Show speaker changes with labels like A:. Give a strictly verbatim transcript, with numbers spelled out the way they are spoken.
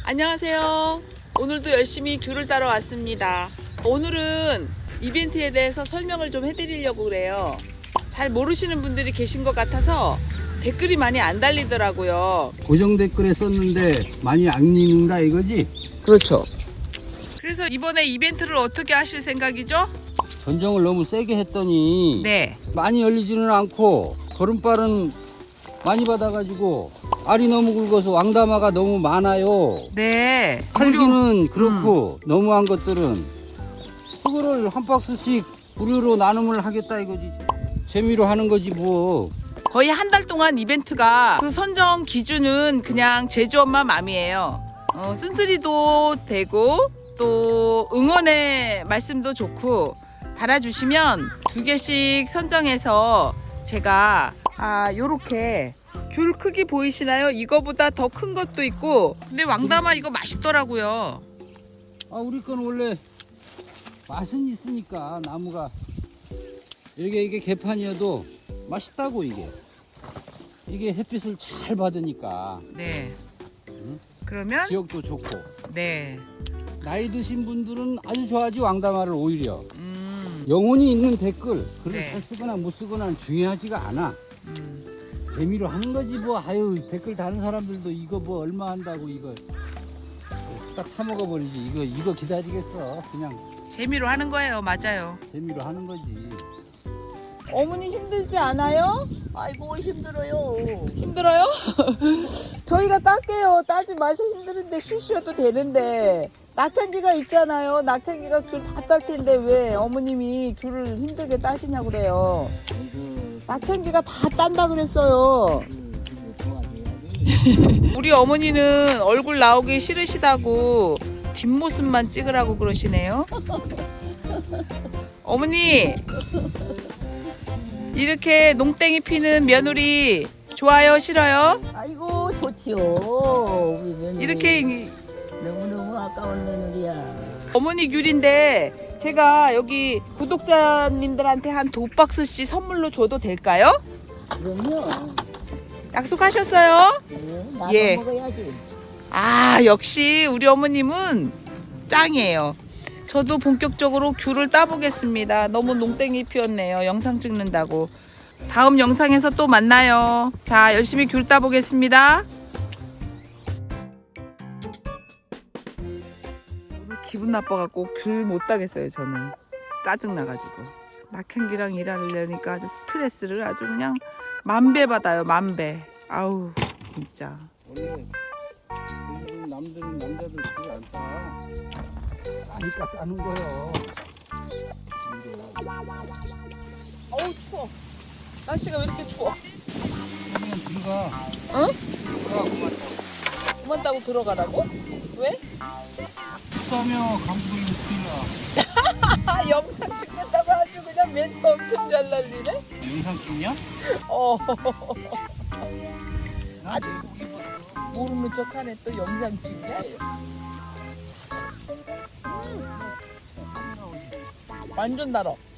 A: 안녕하세요. 오늘도 열심히 귤을 따러 왔습니다. 오늘은 이벤트에 대해서 설명을 좀 해드리려고 그래요. 잘 모르시는 분들이 계신 것 같아서 댓글이 많이 안 달리더라고요.
B: 고정 댓글에 썼는데 많이 안 읽는다 이거지?
A: 그렇죠. 그래서 이번에 이벤트를 어떻게 하실 생각이죠?
B: 전정을 너무 세게 했더니
A: 네.
B: 많이 열리지는 않고 걸음발은 많이 받아가지고 알이 너무 굵어서 왕다마가 너무 많아요.
A: 네.
B: 팔기는 그렇고 음. 너무한 것들은 그거를 한 박스씩 무료로 나눔을 하겠다 이거지. 재미로 하는 거지 뭐.
A: 거의 한 달 동안 이벤트가 그 선정 기준은 그냥 제주 엄마 맘이에요. 어, 쓴소리도 되고 또 응원의 말씀도 좋고 달아주시면 두 개씩 선정해서 제가 아 요렇게 귤 크기 보이시나요? 이거보다 더 큰 것도 있고 근데 왕다마 이거 맛있더라고요.
B: 아 우리 건 원래 맛은 있으니까 나무가 이게 이게 개판이어도 맛있다고 이게 이게 햇빛을 잘 받으니까
A: 네.
B: 응?
A: 그러면
B: 지역도 좋고
A: 네.
B: 나이 드신 분들은 아주 좋아하지 왕다마를 오히려
A: 음,
B: 영혼이 있는 댓글 글을
A: 네.
B: 잘 쓰거나 못 쓰거나 중요하지가 않아.
A: 음.
B: 재미로 하는 거지 뭐. 아유 댓글 다는 사람들도 이거 뭐 얼마 한다고 이거 딱 사 먹어버리지. 이거 이거 기다리겠어. 그냥
A: 재미로 하는 거예요. 맞아요.
B: 재미로 하는 거지.
A: 어머니 힘들지 않아요?
C: 아이고 힘들어요.
A: 힘들어요? 저희가 딸게요. 따지 마셔. 힘드는데 쉬쉬어도 되는데 낙향기가 있잖아요. 낙향기가 귤 다 딸 텐데 왜 어머님이 귤을 힘들게 따시냐 그래요. 낙향기가 다 딴다 그랬어요. 우리 어머니는 얼굴 나오기 싫으시다고 뒷모습만 찍으라고 그러시네요. 어머니 이렇게 농땡이 피는 며느리 좋아요 싫어요?
C: 아이고 좋지요. 우리 며느리.
A: 이렇게
C: 너무너무 아까운 며느리야.
A: 어머니 귤인데 제가 여기 구독자님들한테 한 두 박스씩 선물로 줘도 될까요?
C: 그럼요.
A: 약속하셨어요?
C: 네, 나도
A: 예.
C: 먹어야지.
A: 아 역시 우리 어머님은 짱이에요. 저도 본격적으로 귤을 따보겠습니다. 너무 농땡이 피었네요. 영상 찍는다고. 다음 영상에서 또 만나요. 자 열심히 귤 따보겠습니다. 오늘 기분 나빠갖고 귤 못 따겠어요. 저는 짜증나가지고 낙향기랑 일하려니까 아주 스트레스를 아주 그냥 만배 받아요. 만배. 아우 진짜.
B: 원래 일본 남들은 남자들 그걸 안 따. 따니까 따는 거요.
A: 어우 추워. 날씨가 왜 이렇게 추워?
B: 그러면 들어가.
A: 응?
B: 들어가 그만.
A: 그만 따고 들어가라고? 왜?
B: 따며 감독이 큰일 나.
A: 아 영상 찍는다고 아주 그냥 멘트 엄청 잘 날리네.
B: 영상 찍냐?
A: 어
B: 아직
A: 모르는 척하네. 또 영상 찍냐? 음. 완전 달아.